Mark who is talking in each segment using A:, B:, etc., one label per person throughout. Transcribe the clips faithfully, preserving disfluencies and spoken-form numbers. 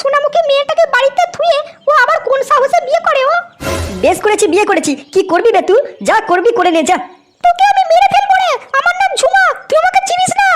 A: সোনামুখী মেয়েটাকে বাড়িতে থুয়ে ও আবার কোন সাহসে বিয়ে করে ও? বেশ করেছি, বিয়ে করেছি। কি করবি বে তুই? যা করবি করে নে যা। তোকে আমি মেরে ফেলবো রে। আমার নাম ঝুমা, তুই আমাকে চিনিস না।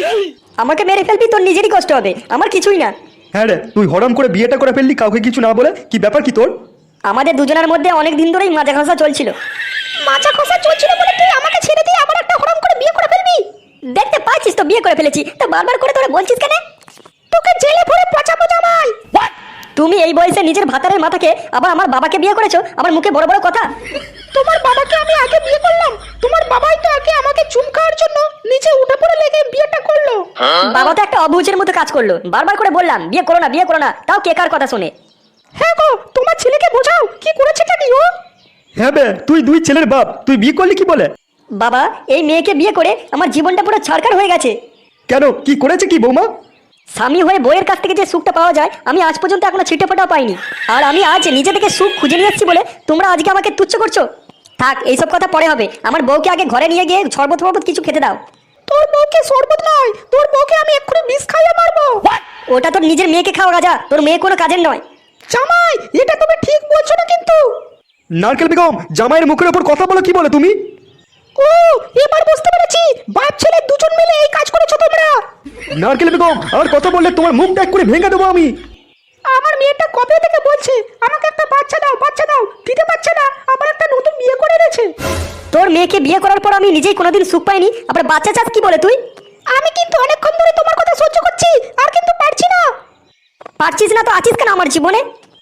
A: আমাকে মেরে ফেলবি, তোর নিজেরই কষ্ট হবে, আমার কিছুই না।
B: হ্যাঁ রে, তুই হরাম করে বিয়েটা করে ফেললি কাউকে কিছু না বলে। কি ব্যাপার কি তোর?
A: আমাদের দুজনের মধ্যে অনেক দিন ধরেই মাজা ঘষা চলছিল। মাজা ঘষা চলছিল বলে তুই আমাকে ছেড়ে দিয়ে আবার একটা হরাম করে বিয়ে করে ফেলবি? দেখতে পাচ্ছিস তো বিয়ে করে ফেলেছি, তো বারবার করে তোরা বলছিস কেন? তোকে জেলে ভরে পচাবো জামাই। তুমি এই বয়সে নিজের ভাতারের মাথাকে আবার আমার বাবাকে বিয়ে করেছো, আমার মুখে বড় বড় কথা। তোমার বাবাকে আমি আগে বিয়ে করলাম, তোমার বাবাই তো আগে আমাকে চুম খাওয়ার জন্য নিচে উঠে পড়ে লেগে বিয়েটা করলো। বাবা তো একটা অবুঝের মতো কাজ করলো, বারবার করে বললাম বিয়ে করো না বিয়ে করো না, তাও কে কার কথা শুনে। হ্যাঁ গো, তোমার ছেলেকে বোঝাও কি করেছেটা কি ও।
B: হ্যাঁ বে, তুই দুই ছেলের বাপ, তুই বিয়ে করলি কি বলে?
A: বাবা, এই মেয়েকে বিয়ে করে আমার জীবনটা পুরো ছাড়খাড় হয়ে গেছে।
B: কেন, কি করেছে কি বৌমা?
A: স্বামী হয়ে বইয়ের কাছ থেকে যে সুখটা পাওয়া যায় আমি আজ পর্যন্ত এখনো ছিটে ফোটাও পাইনি। আর আমি আজ নিজে থেকে সুখ খুঁজে নিয়ে যাচ্ছি বলে তোমরা আজকে আমাকে তুচ্ছ করছো। থাক, এইসব কথা পরে হবে। আমার বউকে আগে ঘরে নিয়ে গিয়ে শরবত ফরবত কিছু খেতে দাও। তোর বউকে শরবত নয়, তোর বউকে আমি এক্ষুনি বিষ খাইয়ে মারবো। ওটা তোর নিজের মেয়েকে খাওয়া রাজা, তোর মেয়ে কোনো কাজের নয়। জামাই, এটা তুমি ঠিক বলছো না কিন্তু।
B: নারকেল বেগম, জামাইয়ের মুখের উপর কথা বলো কি বলে তুমি?
A: ও, এবার বুঝতে পেরেছি, বাপ ছেলে দুজন মিলে এই কাজ করেছো তোমরা।
B: নারকেল বেগম, আর কথা বললে তোমার মুখ এক করে ভেঙে দেবো আমি।
A: আমার মেয়েটা কবে থেকে বলছে আমাকে একটা বাচ্চা দাও বাচ্চা দাও, দিতে পারছে না, আবার একটা নতুন বিয়ে করে এনেছে। তোর মেয়েকে বিয়ে করার পর আমি নিজেই কোনোদিন সুখ পাইনি, আবার বাচ্চা চাস কি বলে তুই? আমি কিন্তু অনেকক্ষণ ধরে তোমার কথা সহ্য করছি, আর কিন্তু পারছি না। পারছিস না তো আছিস কেন আমার জীবনে?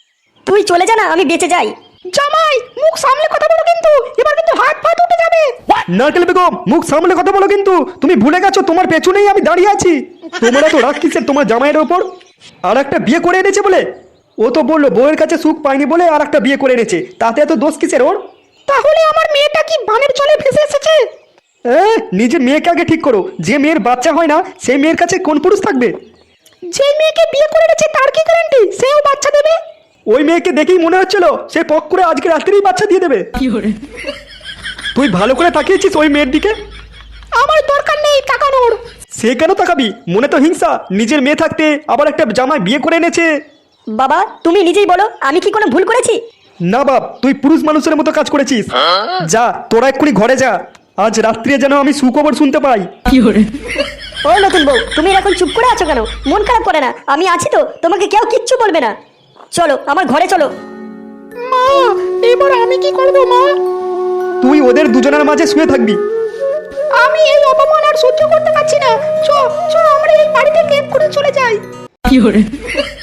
A: তুই চলে যা না, আমি বেঁচে যাই। জামাই, মুখ সামলে কথা বলো কিন্তু, এবার কিন্তু হাত ফাত উঠে যাবে।
B: নারকেল বেগম, মুখ সামলে কথা বলো কিন্তু। তুমি ভুলে গেছো তোমার পেছনেই আমি দাঁড়িয়ে আছি। তোমরা তো রাগ কিসের তোমার জামাইয়ের ওপর? আর একটা বিয়ে করে এনেছে বলে? ও তো বললো বউয়ের কাছে সুখ পায়নি বলে আর একটা বিয়ে করে এনেছে, তাতে এত দোষ কিসের ওর?
A: তাহলে আমার মেয়েটা কি বানের জলে ভেসে এসেছে?
B: এ, নিজের মেয়েকে আগে ঠিক করো। যে মেয়ের বাচ্চা হয় না সেই মেয়ের কাছে কোন পুরুষ থাকবে?
A: যে মেয়েকে বিয়ে করে এনেছে তার কি গ্যারান্টি সেও বাচ্চা দেবে?
B: ওই মেয়েকে দেখেই মনে হচ্ছিল সে পক করে আজকে রাত্রেই বাচ্চা দিয়ে দেবে। তুই ভালো করে তাকিয়েছিস ওই মেয়ের দিকে?
A: আমার দরকার নেই তাকানোর।
B: সে কেন তাকাবি? মনে তো হিংসা, নিজের মেয়ে থাকতে আবার একটা জামাই বিয়ে করে এনেছে।
A: বাবা, তুমি নিজেই বলো আমি কি কোনো ভুল করেছি?
B: না বাপ, তুই পুরুষ মানুষের মতো কাজ করেছিস। যা, তোরা এক্ষুনি ঘরে যা। আজ রাত্রে যেন আমি সুখবর শুনতে পাই।
A: ও নতুন বউ, তুমি এখন চুপ করে আছো কেন? মন খারাপ করে না, আমি আছি তো, তোমাকে কেউ কিচ্ছু বলবে না। চলো আমার ঘরে চলো। মা, এবার আমি কি করব মা?
B: তুই ওদের দুজনের মাঝে শুয়ে থাকবি।
A: আমি এই অপমান আর সহ্য করতে পারছি না। চ চ আমরা এই বাড়ি থেকে এক্ষুনি চলে যাই।